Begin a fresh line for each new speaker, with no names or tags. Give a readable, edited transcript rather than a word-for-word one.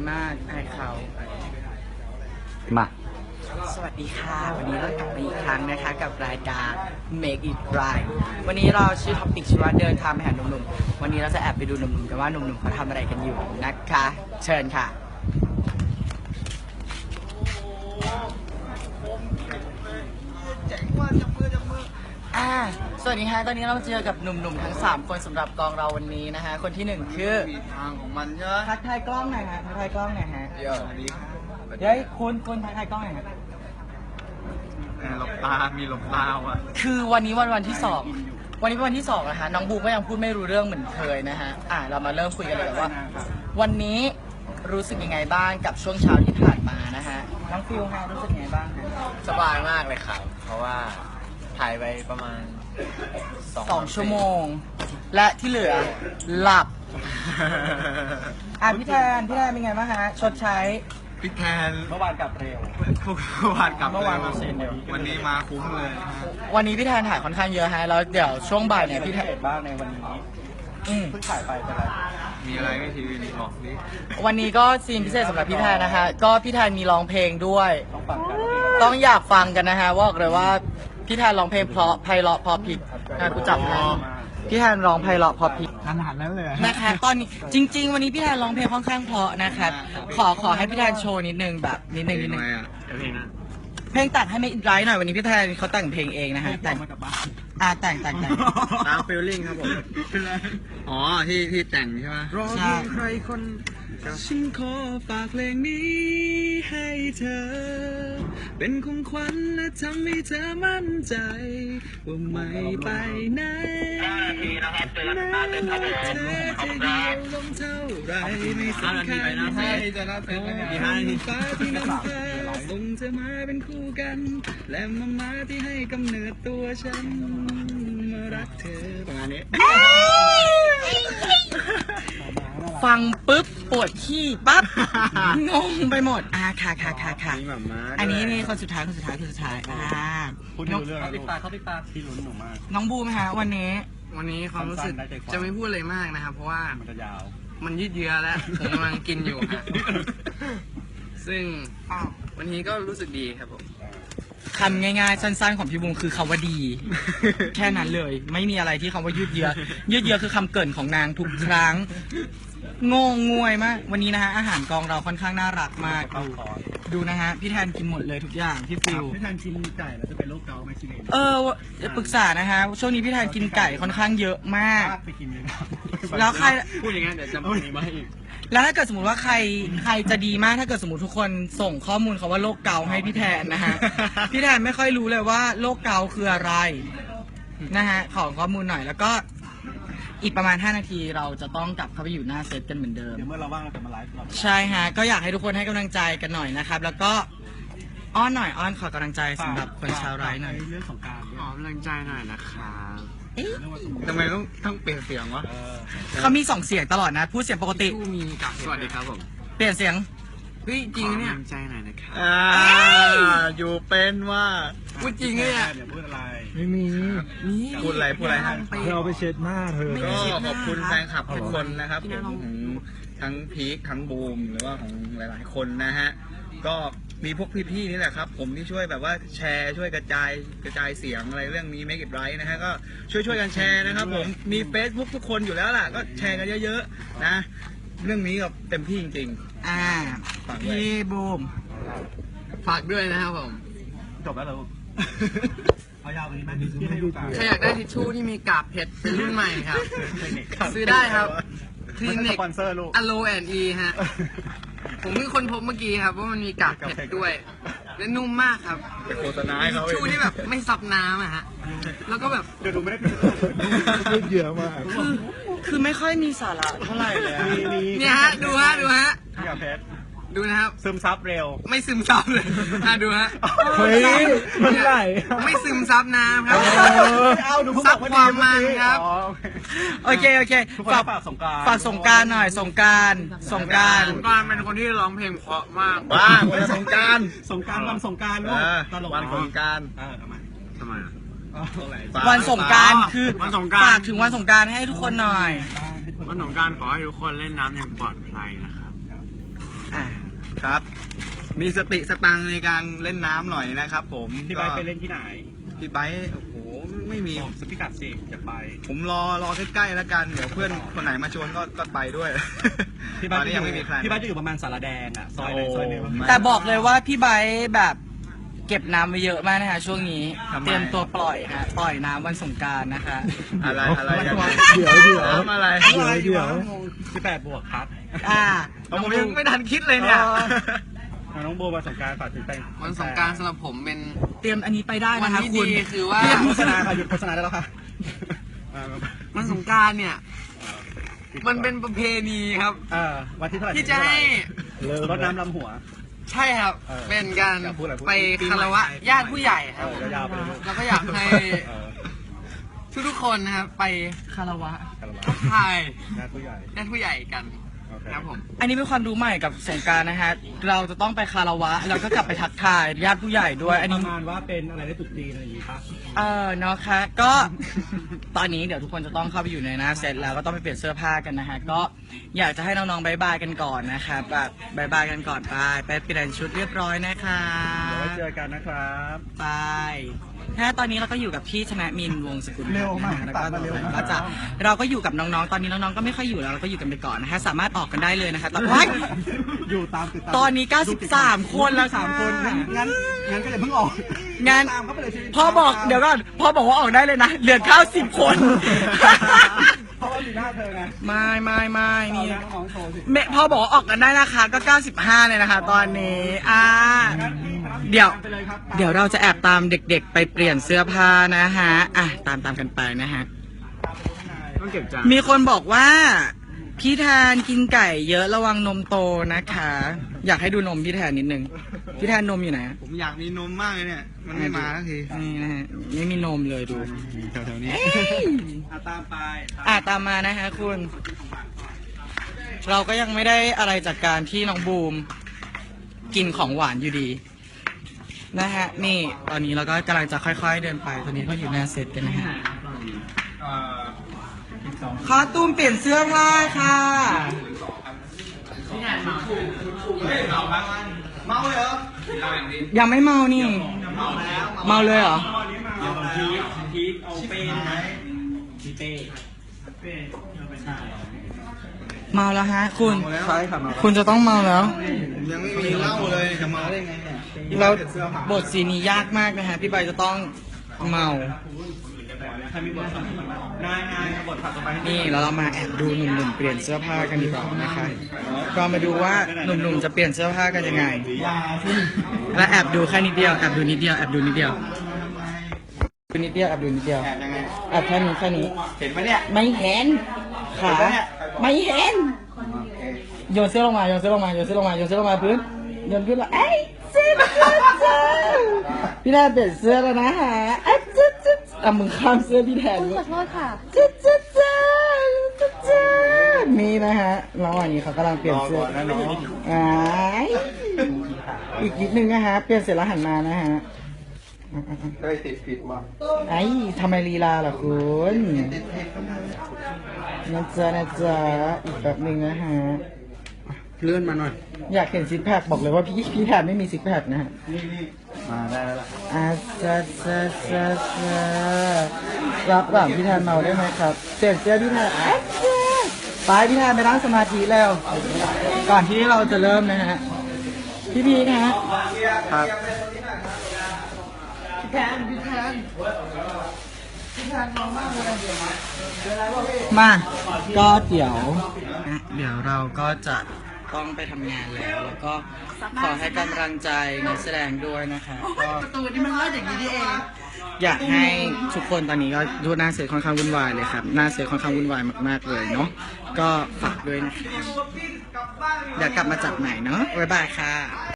มากอายเขา
มา
สวัสดีค่ะวันนี้เรากลับมาอีกครั้งนะคะกับรายการ Make It Right วันนี้เราชื่อท็อปิกชื่อว่าเดินทางไปหาหนุ่มๆวันนี้เราจะแอบไปดูหนุ่มๆกันว่าหนุ่มๆเขาทำอะไรกันอยู่นะคะเชิญค่ะสวัสดีค่ะตอนนี้เราเจอกับหนุ่มๆทั้ง3คนสำหรับกองเราวันนี้นะคะคนที่1คือ
มีทางของมันใช่ไหม
ทักทายกล้องหน่อยฮะทักทายกล้องหน่อยฮะ
เดี๋ยวนี้
เดี๋ยวคุณทักทายกล้องหน่อยฮะ
หลบตา มีหลบตาอ่ะ
คือวันนี้วันที่2วันนี้เป็นวันที่2นะคะน้องบูมก็ยังพูดไม่รู้เรื่องเหมือนเคยนะฮะเรามาเริ่มคุยกันเลยว่าวันนี้รู้สึกยังไงบ้างกับช่วงเช้าที่ผ่านมานะฮะน้องฟิวฮะรู้สึกยังไงบ้างฮะ
สบายมากเลยครับ เพราะว่าถ่ายไปประมาณ
2 ชั่วโมง และที่เหลือหลับพี่แทนเป็นไงบ้างฮะชดใช้
พี่แทน
เมื่อวานกลับเร็ว
เมื่อวานกลับ
เมื่อวานมาเซ็นเดียว
วันนี้มาคุ้มเลยนะฮะ
วันนี้พี่แทนถ่ายค่อนข้างเยอะฮะแล้วเดี๋ยวช่วงบ่ายเนี่ยพี่แทน
บ้างในวันนี้เพิ่งถ่ายไปเป็นไร
มีอะไรไม่ทีวีนี่บอกดิ
วันนี้ก็ซีนพิเศษสำหรับพี่แทนนะคะก็พี่แทนมีร้องเพลงด้วย
ต้องฟังกัน
ต้องอยากฟังกันนะฮะว่าเลยว่าพี่แทนร้องเพลงเพราะไพเราะพอพิกกูจับนะพี่แทนร้องไพเราะพอพิก
ขนาดนั้นเลย
นะคะตอนนี้จริง ๆ วันนี้พี่แทนร้องเพลงค่อนข้างเพราะนะครับขอให้พี่แทนโชว์นิดนึงแบบนิดนึง
อะไรอ่ะเพลงนะ
เพลงแต่งให้ไม่อินไรหน่อยวันนี้พี่แทนเขาแต่งเพลงเองนะฮะแต่งแต่ง
ตามฟีลลิ่งครับผมอ๋อที่แต่งใช่ไหม
รอเพียง
ใครคนฉันขอฝากเพลงนี้ให้เธอ เป็นของขวัญและทำให้เธอมั่นใจ ว่าไม่ไปไหนแม้ว่าเธอจะเดียวลงเท่าไรไม่สำคัญให้จะรับเป็นฟ้าที่นำพาส่งเธอมาเป็นคู่กัน และมาที่ให้กำเนิดตัวฉันมารักเธอประมาณนี้
ฟังปุ๊บปวดขี้ปั๊บงงไปหมดค่ะ
มีหม่าม้า
อันนี้นี่คนสุดท้ายพูดไม่รู้เรื่อง
เขาติดตาที่ลุ้นหนูมาก
น้องบูมฮะวันนี้
ความรู้สึกจะไม่พูดอะไรมากนะครับเพราะว่า
มันจะยาว
มันยืดเยื้อแล้ว ผมกำลังกินอยู่ฮะซึ่งวันนี้ก็รู้สึกดีครับผม
คำง่ายๆสั้นๆของพี่บูมคือคำว่าดี แค่นั้นเลยไม่มีอะไรที่คำว่ายืดเยื้อคือคำเกริ่นของนางทุกครั้งงงงวยมากวันนี้นะฮะอาหารกองเราค่อนข้างน่ารักมากดูนะฮะพี่แทนกินหมดเลยทุกอย่างพี่ฟิว
พี่แทนกินไก่แล้วจะเป็นโรคเกาต์ไหมชิเลน
ปรึกษานะฮะช่วงนี้พี่แทนกินไก่ค่อนข้างเยอะมาก
ไปกินเลย
แล้วใคร
พูดอย่างนั้นเดี๋ยวจะมีมาให้อีก
แล้วถ้าเกิดสมมติว่าใครจะดีมากถ้าเกิดสมมติทุกคนส่งข้อมูลเขาว่าโรคเกาต์ให้พี่แทนนะฮะ พี่แทนไม่ค่อยรู้เลยว่าโรคเกาต์คืออะไรนะฮะขอข้อมูลหน่อยแล้วก็อีกประมาณ5 นาทีเราจะต้องกลับเข้าไปอยู่หน้าเซตกันเหมือนเดิม
เดี๋ยวเมื่อเราว่างเราจะมาไลฟ์
ใช่ฮะก็อยากให้ทุกคนให้กำลังใจกันหน่อยนะครับแล้วก็อ้อนขอกำลังใจสำหรับคนชาวไร่หน่อย
เรื่องของการ
ขอกำลังใจหน่อยนะครับทำไมต้องเปลี่ยนเสียงวะ
เขามี2 เสียงตลอดนะพูดเสียงปกติ
ผู้มีกับสวัสดีครับผม
เปลี่ยนเสียง
เฮ้ยจริงเนี่ยกำลังใจหน่อยนะครับ
อยู่เป็นว่า
พูดจริงเนี่ย
เดี๋ยวพูดอะไร
ไม่มี
พูดอะไรฮะ
เธอเอาไปเช็ดหน้าเธอ
ก็ขอบคุณแฟนคลับทุกคนนะครับผมทั้งพีคทั้งบูมหรือว่าของหลายๆคนนะฮะก็มีพวกพี่ๆนี่แหละครับผมที่ช่วยแบบว่าแชร์ช่วยกระจายเสียงอะไรเรื่องนี้ Make It Right นะฮะก็ช่วยกันแชร์นะครับผมมี Facebook ทุกคนอยู่แล้วล่ะก็แชร์กันเยอะๆนะเรื่องนี้ก็เต็มที่จริงๆ
พี่บูม
ฝากด้วยนะครับผม
จบแล้วเหรอเอายาวกว่านี้ไหมที่ให้ดูตา
ใครอยากได้ทิชชู่ที่มีกาบเพชรเป็นรุ่นใหม่ครับ ซื้อได้ครับคลินิก
สปอนเซอร์ลูก
อโลแอนอีฮะ ผมเพิ่งค้นพบเมื่อกี้ครับว่ามันมีกากเพชรด้วย และนุ่มมากครับเป็นโฆษณาให้เขาทิชชู่ที่แบบไม่ซับน้ำอะฮะ แล้วก็แบบ
เดี๋ยวดูไม่ได้
ยืดเยื้อมาก
คือไม่ค่อยมีสาระเท่าไหร่เลยอะ
เนี่ยฮะ ดูฮะ
กับเพชร
ดูนะครับ
ซึมซับเร็ว
ไม่ซึมซับเลยดูฮะ
เฮ้ยมันไหล
ไม่ซึมซับน้ำครับ
เอาดู
ซับความมันครับ
โอเค
ทุกคนฝากสงกรานต์
ฝากสงกรารหน่อยสงกราร
สงกรานต์เป็นคนที่ร้องเพลงเพราะมาก
ว้าวันสงกรารวันสงกรารลูกตลก
วันสงกรานต์
ทำไม
ทำไม
วันสงกรารคือ
วันสงกรานต์
ฝากถึงวันสงกรารให้ทุกคนหน่อย
วันสงกรานต์ขอให้ทุกคนเล่นน้ำอย่างปลอดภัยนะครับครับ มีสติสตังค์ในการเล่นน้ำหน่อยนะครับผม
พี่ไบร์ทไปเล่นที่ไหน
พี่ไบร์ทโอ้โหไม่มี
บอกสพิกัดสิอยากไป
ผมรอใกล้ๆแล้วกันเดี๋ยวเพื่อนคนไหนมาชวนก็ไปด้วย
พี่
ต
ไบ
อ
ร์
น
ท
นี้ยังไม่มีใคร
พี่ไบร์ทจะอยู่ประมาณสารแดงอ่ะซอยไหนซอยหนึ่ง
โอ้
แต่บอกเลยว่าพี่ไบร์ทแบบเก็บน้ำไว้เยอะมากนะคะช่วงนี้
ทำไม
เตรียมตัวปล่อยฮะปล่อยน้ำวันสงกรานต์นะคะ
อะไรกัน
เดี๋ยว
น้ำอะไร
เดี๋ยว
18 บวกครับ
อ่า
ผมยังไม่ทันคิดเลยเนี่ย
น้องโบวันสงกรารฝากถึงแต่ง
วันสงกรารสำหรับผมเป็น
เตรียมอันนี้ไปได้
วัน
นะคะ
ที่
คุณ
ดีคือว่า
โฆษณาค่ะหยุดโฆษณาได้แล้วค่ะ
วันสงกรารเนี่ย มันเป็นประเพณีครับ
วันที่เท่าไหร่
ที่จะให้
รดน้ำลำหัว
ใช่ครับ
เออ
เป็นการ
อยากพูดอะไรพูด
ไป
ปีใหม่
คารวะญาติผู้ใหญ่ครับ
ยาวๆไปเลย
แล้วก็อยากให้
เออ
ทุกๆคนนะครับ ไป
คารวะ
คารวะ
ทักทาย
ญาติผู้ใหญ่
ญาติผู้ใหญ่กัน
โอเค
ครับผม
อันนี้เป็นความรู้ใหม่กับสงกรานต์นะฮะเราจะต้องไปคารวะแล้วก็กลับไปทักทายญาติผู้ใหญ่ด้วย อัน
ป
นี้
ระมาณว่าเป็นอะไรได้ตุกจีนอะไรอย่างงี้ปะ
เนาะค่ะก็ ตอนนี้เดี๋ยวทุกคนจะต้องเข้าไปอยู่ในหน้าเซตแล้วก็ต้องไปเปลี่ยนเสื้อผ้ากันนะฮะก็อยากจะให้น้องๆบายบายกันก่อนนะคะแบบบายบายกันก่อนไปเปลี่ยนชุดเรียบร้อยนะคะ
เดี๋ยวไว้เจอกันนะครับ
ไปถ้าตอนนี้เราก็อยู่กับพี่ชนะมินวงศ์สกุล
เร็วมาก
แล้วก็
ตัดมาเร็วมาก
ก็จะเราก็อยู่กับน้องๆตอนนี้น้องๆก็ไม่ค่อยอยู่แล้วเราก็อยู่กันไปก่อนนะคะสามารถออกกันได้เลยนะคะตอนว้าย
อยู่ตามติดตาม
ตอนนี้93คนแล้วค่ะ
3 คนงั้นก็อย่าเพิ่งออก
งาน
ตามเข้าไปเลยสิ
พ่อบอกเดี๋ยวก่อนพ่อบอกว่าออกได้เลยนะเหลือ90คน
เพราะว่าอยู่หน้าเธอไง
ไม่นี่
เอาน้องโชว์สิ
แม่พ่อบอกว่าออกกันได้นะคะก็95เลยนะคะ ตอนนี้เดี๋ยวเราจะแอบตามเด็กๆ ไปเปลี่ยนเสื้อผ้านะฮะตามกันไปนะฮะ
ต้องเก็บจาน
มีคนบอกว่าพี่แทนกินไก่เยอะระวังนมโตนะคะ อยากให้ดูนมพี่แทนนิดนึงพี่แทนนมอยู่ไหน
ผมอยากมีนมมากเลยเนี่ย มันไม่มาสักที
นี่นะฮะไม่มีนมเลยดู
แถวๆนี้
ตามไป
ตามมานะฮะคุณ เราก็ยังไม่ได้อะไรจากการที่น้องบูมกินของหวานอยู่ดีนะฮะนี่ตอนนี้เราก็กำลังจะค่อยๆเดินไปตอนนี้ก็อยู่หน้าเซตกันนะฮะคอตูมเปลี่ยนเสื้อผ้าค่ะ
เมาเลยเหรอ
ยังไม่เมานี่ เมาเลยเหรอ
พีคเอาเป็นพีเต้
เมาแล้วฮะ คุณ
ใช่ค่ะมา
คุณจะต้องเมาแล้ว
ผมยังไม่มีเหล้าเลยจะเมาได้ไงเนี่ย
แล้วบทสีนี้ยากมากนะฮะพี่ใบจะต้องเมา
ใครมีบทนายบทถัดต่อไป
นี่แล้วเรามาแอบดูหนุ่มๆเปลี่ยนเสื้อผ้ากันดีกว่านะคะก็มาดูว่าหนุ่มๆจะเปลี่ยนเสื้อผ้ากันยังไง และแอบดูแค่นิดเดียวแอบดูนิดเดียวแอบดูนิดเดียวดูนิดเดียวแอบดูนิดเดียว
แอบยังไง
แอบแค่นี้แค่นี้
เห็นไหมเนี่ย
ไม่เห็นขาไม่เห็นโยนเสื้อลงมาโยนเสื้อลงมาโยนเสื้อลงมาโยนเสื้อลงมาพื้นโยนพื้นแล้วเอ้ยเสื้อพี่แทนเปลี่ยนเสื้อแล้วนะฮะมึงข้ามเสื้อพี่แทน
ขอโทษค่ะ
นี่นะฮะระหว่างนี้เขากำลังเปลี่ยนเสื้อ
นะน้อง
อีกนิดนึงนะฮะเปลี่ยนเสร็จแล้วหันมานะฮะ
ได้ติดผิดมา
ทำไมลีลาล่ะคุณนะจ๊ะอีกแบบหนึ่งนะฮะ
เลื่อนมาหน่อย
อยากเห็นซิกแพคบอกเลยว่าพี่แทนไม่มีซิกแพคนะฮะ
มาได้แล้วล่ะ
รับก่อนพี่แทนเมาได้ไหมครับเปลี่ยนเสื้อพี่แทนไปพี่แทนไปนั่งสมาธิแล้วก่อนที่เราจะเริ่มนะฮะพี่พีนะฮะ
ครับ
มาก็เดี๋ยวเราก็จะต้องไปทำงานแล้วก็ขอให้กำลังใจนักแสดงด้วยนะคะก็ประตูนี่มันเลิศอย่างนี้เองอยากให้ทุกคนตอนนี้ก็ดูหน้าเสือค่อนข้างวุ่นวายเลยครับหน้าเสือค่อนข้างวุ่นวายมากๆเลยเนาะก็ฝากด้วยนะคะเดี๋ยวกลับมาจับใหม่เนาะบ๊ายบายค่ะ